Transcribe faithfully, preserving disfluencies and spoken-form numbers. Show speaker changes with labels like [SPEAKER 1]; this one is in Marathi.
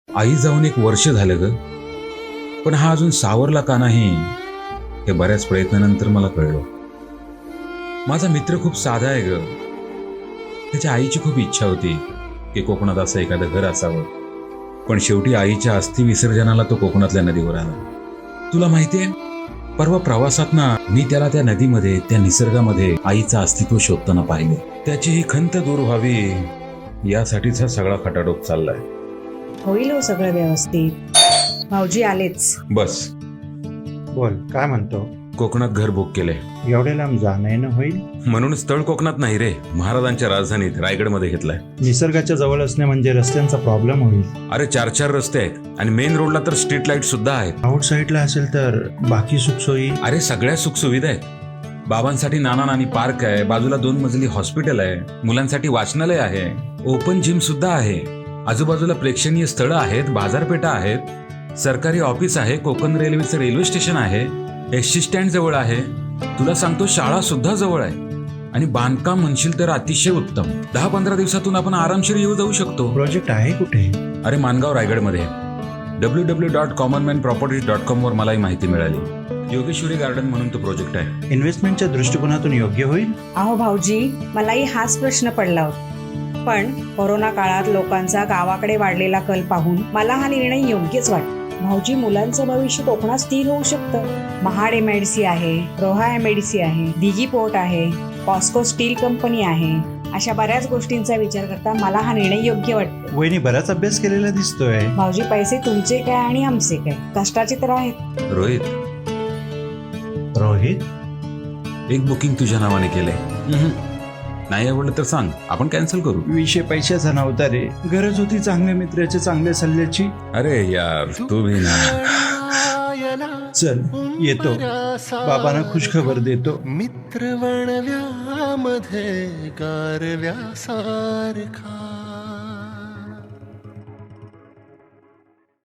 [SPEAKER 1] आई जाऊन एक वर्ष झालं ग, पण हा अजून सावरला का नाही हे बऱ्याच प्रयत्नानंतर मला कळलं. माझा मित्र खूप साधा आहे ग. त्याच्या आईची खूप इच्छा होती की कोकणात असं एखादं घर असावं, पण शेवटी आईच्या अस्थि विसर्जनाला तो कोकणातल्या नदीवर आला. तुला माहितीये, परवा प्रवासात ना मी त्याला त्या नदीमध्ये, त्या निसर्गामध्ये आईचं अस्तित्व शोधताना पाहिले. त्याची ही खंत दूर व्हावी यासाठीच हा सगळा खटाटोप चाललाय.
[SPEAKER 2] होईल हो सगळं व्यवस्थित. भाऊजी आलेच.
[SPEAKER 1] बस.
[SPEAKER 3] बोल, काय म्हणतो?
[SPEAKER 1] कोकणात घर बुक केले.
[SPEAKER 3] एवढे लांब जाणं येणं होईल?
[SPEAKER 1] म्हणून स्थळ कोकणात नाही रे, महाराजांच्या राजधानीत रायगडमध्ये घेतलाय.
[SPEAKER 3] निसर्गाच्या जवळ असणे म्हणजे रस्त्यांचा प्रॉब्लेम होईल.
[SPEAKER 1] अरे चार चार रस्ते आहेत आणि मेन रोडला तर स्ट्रीट लाईट सुद्धा आहेत.
[SPEAKER 3] आउट साईडला असेल तर बाकी सुखसोयी?
[SPEAKER 1] अरे सगळ्या सुखसुविधा आहेत. बाबांसाठी नाना नानी पार्क आहे, बाजूला दोन मजली हॉस्पिटल आहे, मुलांसाठी वाचनालय आहे, ओपन जिम सुद्धा आहे, आजूबाजूला प्रेक्षणीय स्थळं आहेत, बाजारपेठा आहेत, सरकारी ऑफिस आहे, कोकण रेल्वेचं रेल्वे स्टेशन आहे, एसटी स्टँड जवळ आहे. तुला सांगतो शाळा सुद्धा जवळ आहे आणि बांधकाम म्हणशील तर अतिशय उत्तम. दहा पंधरा दिवसातून आपण आरामशीर येऊ जाऊ शकतो.
[SPEAKER 3] प्रोजेक्ट आहे कुठे?
[SPEAKER 1] अरे मानगाव रायगडमध्ये. W W dot common man properties dot com वर मला ही माहिती मिळाली. योगेश्वरी गार्डन म्हणून तो प्रोजेक्ट आहे.
[SPEAKER 3] इन्व्हेस्टमेंटच्या दृष्टिकोनातून योग्य होईल?
[SPEAKER 2] अहो भाऊजी, मलाही हाच प्रश्न पडला होता, पण कोरोना काळात लोकांचा गावाकडे वाढलेला कल पाहून मला हा निर्णय योग्यच वाटतो. भाऊजी, मुलांचं भविष्य कोकणात स्थिर होऊ शकतं. महाड एमआयडीसी आहे, रोहा एमआयडीसी आहे, दिघी पोर्ट आहे, पॉस्को स्टील कंपनी आहे. अशा बऱ्याच गोष्टींचा विचार करता मला हा निर्णय योग्य वाटतो.
[SPEAKER 3] वहिनी बराच अभ्यास केलेला दिसतोय.
[SPEAKER 2] भाऊजी, पैसे तुमचे काय आणि आमचे काय, कष्टाचे तर आहेत.
[SPEAKER 1] रोहित,
[SPEAKER 3] रोहित,
[SPEAKER 1] एक बुकिंग तुझ्या नावाने केलंय. नाही आवडलं तर सांग, आपण कॅन्सल करू.
[SPEAKER 3] विषय पैशाचा नव्हता रे, गरज होती चांगल्या मित्राच्या चांगल्या सल्ल्याची.
[SPEAKER 1] अरे यार तुम्ही ना.
[SPEAKER 3] चल येतो, बाबांना खुश खबर देतो.
[SPEAKER 4] मित्र वणव्यामध्ये गारव्यासारखा.